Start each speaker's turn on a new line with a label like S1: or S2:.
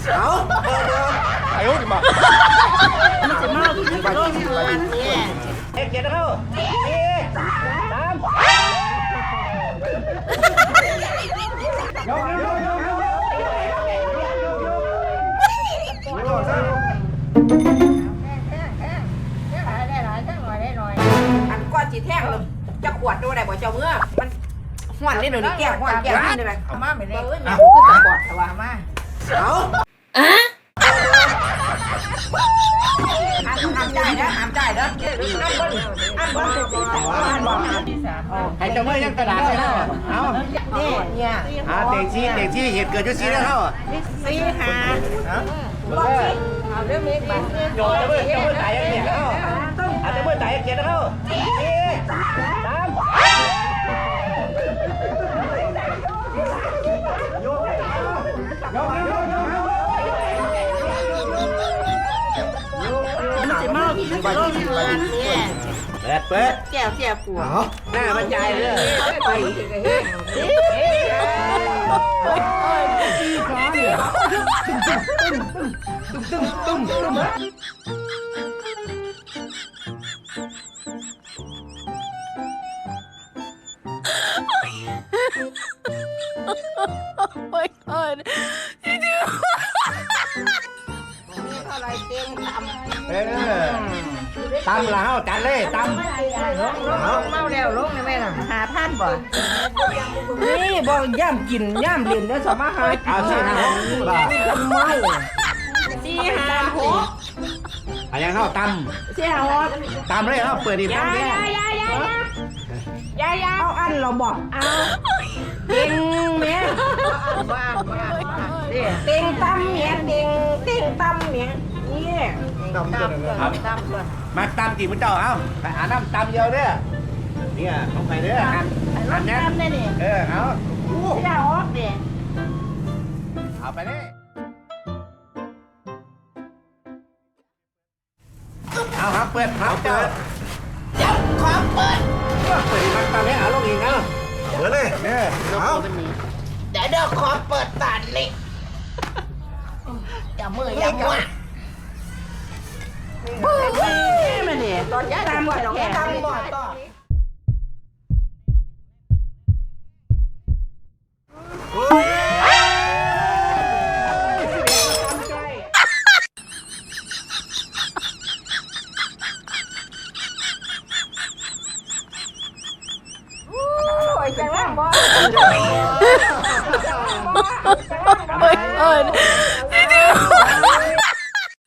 S1: เอา
S2: ไอ้โอ้ดิมา
S1: มันจะมาที่ไปที่ไปเนี่ยเจ็ดเข้าตามอันก้อนจีแท่งเลยจะขวดดูได้บ่เจ้าเมื่อมันห่วนนี่เดี๋ยวนี้แก้วห่วนแก้วนี่เลยเอามาไม่ได้เอ้ยมันคือตะกอดแต่ว่ามาเอาห้ามใจนะห้ามใจนะอันบนให้เจ้าเมื่อยังกระดาษเลยนะเอาเนี่ยเด็กชี้เหตุเกิดอยู่ชี้แล้วเข้าชี้หาเอาเรื่องนี้ไปโยนเจ้าเมื่อตายยังเกียรเข้าเจ้าเมื่อตายยังเกียรเข้าตามเปิดแก้วเสียปัวหน้าบรรยายเลยไป
S3: my god. You do.
S1: ตำแล้วจัดเลยตำเมาแล้วลงได้ไหมล่ะ5,000บ่นี่บ่ย่ำกินย่ำเล่นแล้วสามารถหาเอาสินะบ่เมา4-5-6ยังเข้าตำ4-6ตำเลยเข้าเปิดดิตำเนี่ยยาเอาอันเราบอกเอาเต็งแม่เต็งตำเนี่ยเต็งตำเนี่ยนี่ตำมาตำจีบมันเจ้าเอาไปหาน้ำตำเดียวเด้อเนี่ยของใครเด้ออันนี้เอาจะออกเด้เอาไปเลยเอาครับเปิดครับเปิดจับของเปิดมันตำให้เอาลงอีกเอาเปิดเลยเนี่ยเอาเดี๋ยวขอเปิดตัดเลยอย่ามืออย่ามือมันเนี่ยตอนย้ายตามบ่อแค่ตามบ่อต่อ